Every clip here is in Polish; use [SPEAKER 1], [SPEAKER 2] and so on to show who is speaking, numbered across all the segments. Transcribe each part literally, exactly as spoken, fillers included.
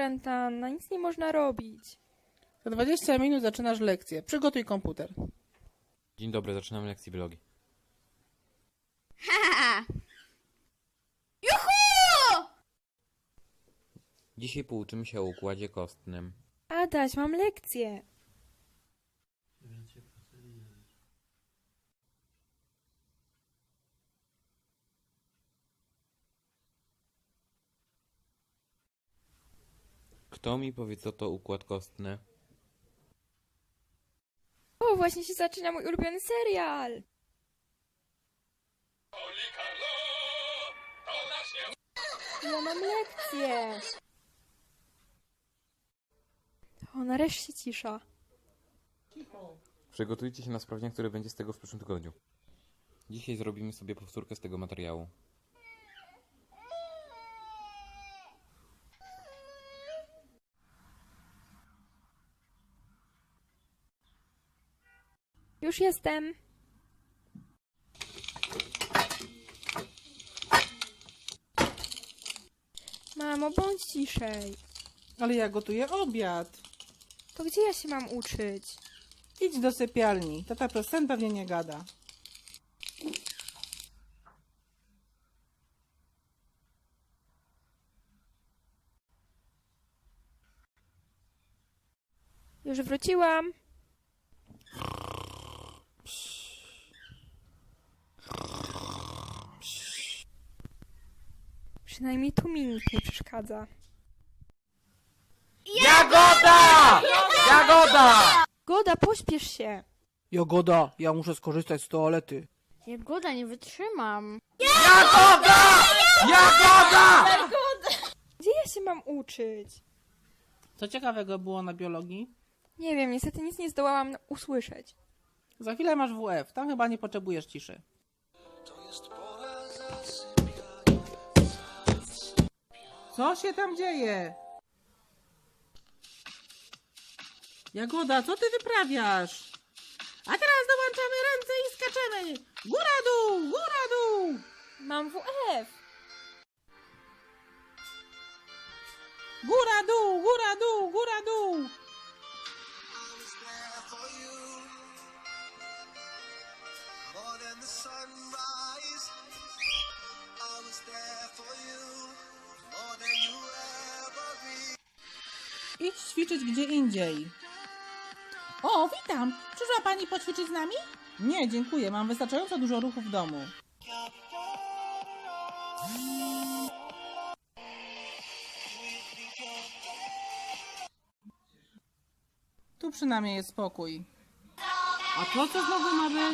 [SPEAKER 1] kwarantanna, nic nie można robić.
[SPEAKER 2] Za dwadzieścia minut zaczynasz lekcję. Przygotuj komputer.
[SPEAKER 3] Dzień dobry, zaczynamy lekcję biologii.
[SPEAKER 4] Ha! Juhu!
[SPEAKER 3] Dzisiaj pouczymy się o układzie kostnym.
[SPEAKER 1] Adaś, mam lekcję.
[SPEAKER 3] Kto mi powie, co to układ kostny?
[SPEAKER 1] O, właśnie się zaczyna mój ulubiony serial. Ja mam lekcję. O, nareszcie cisza.
[SPEAKER 3] Przygotujcie się na sprawdzian, który będzie z tego w przyszłym tygodniu. Dzisiaj zrobimy sobie powtórkę z tego materiału.
[SPEAKER 1] Już jestem. Mamo, bądź ciszej.
[SPEAKER 2] Ale ja gotuję obiad.
[SPEAKER 1] To gdzie ja się mam uczyć?
[SPEAKER 2] Idź do sypialni. Tata przez sen pewnie nie gada.
[SPEAKER 1] Już wróciłam. Przynajmniej tu mi nikt nie przeszkadza.
[SPEAKER 5] Jagoda! Jagoda!
[SPEAKER 1] Goda, pośpiesz się.
[SPEAKER 2] Jagoda, ja muszę skorzystać z toalety.
[SPEAKER 4] Jagoda, nie wytrzymam.
[SPEAKER 5] Jagoda! Jagoda!
[SPEAKER 1] Gdzie ja się mam uczyć?
[SPEAKER 2] Co ciekawego było na biologii?
[SPEAKER 1] Nie wiem, niestety nic nie zdołałam usłyszeć.
[SPEAKER 2] Za chwilę masz W F. Tam chyba nie potrzebujesz ciszy. Co się tam dzieje? Jagoda, co ty wyprawiasz? A teraz dołączamy ręce i skaczemy. Góra dół, góra dół.
[SPEAKER 1] Mam W F.
[SPEAKER 2] Góra dół, góra dół, góra dół. Idź ćwiczyć gdzie indziej. O, witam. Przyszła pani poćwiczyć z nami? Nie, dziękuję. Mam wystarczająco dużo ruchu w domu. Tu przynajmniej jest spokój. A to co znowu ma być?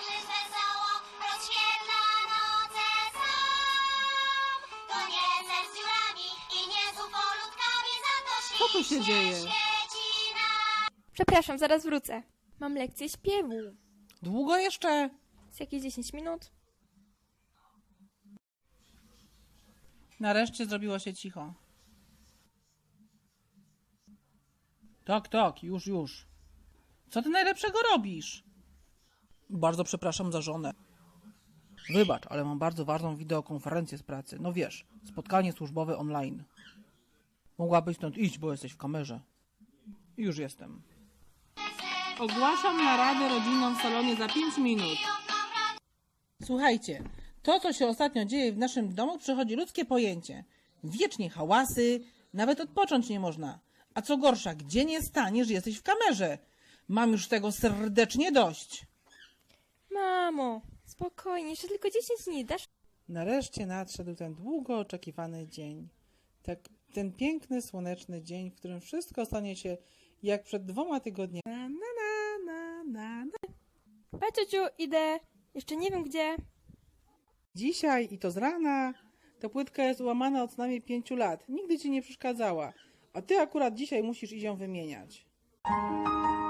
[SPEAKER 2] Co tu się dzieje?
[SPEAKER 1] Przepraszam, zaraz wrócę. Mam lekcję śpiewu.
[SPEAKER 2] Długo jeszcze?
[SPEAKER 1] Z jakieś dziesięć minut?
[SPEAKER 2] Nareszcie zrobiło się cicho. Tak, tak, już, już. Co ty najlepszego robisz? Bardzo przepraszam za żonę. Wybacz, ale mam bardzo ważną wideokonferencję z pracy. No wiesz, spotkanie służbowe online. Mogłabyś stąd iść, bo jesteś w kamerze. I już jestem. Ogłaszam naradę rodzinną w salonie za pięć minut. Słuchajcie, to co się ostatnio dzieje w naszym domu przechodzi ludzkie pojęcie. Wiecznie hałasy, nawet odpocząć nie można. A co gorsza, gdzie nie staniesz, jesteś w kamerze. Mam już tego serdecznie dość.
[SPEAKER 1] Mamo, spokojnie, jeszcze tylko dziesięć dni, dasz?
[SPEAKER 2] Nareszcie nadszedł ten długo oczekiwany dzień. Tak, ten piękny, słoneczny dzień, w którym wszystko stanie się jak przed dwoma tygodniami. Na, na, na, na, na.
[SPEAKER 1] Pa, ciociu, idę. Jeszcze nie wiem gdzie.
[SPEAKER 2] Dzisiaj i to z rana. Ta płytka jest łamana od co najmniej pięciu lat. Nigdy ci nie przeszkadzała. A ty akurat dzisiaj musisz iść ją wymieniać.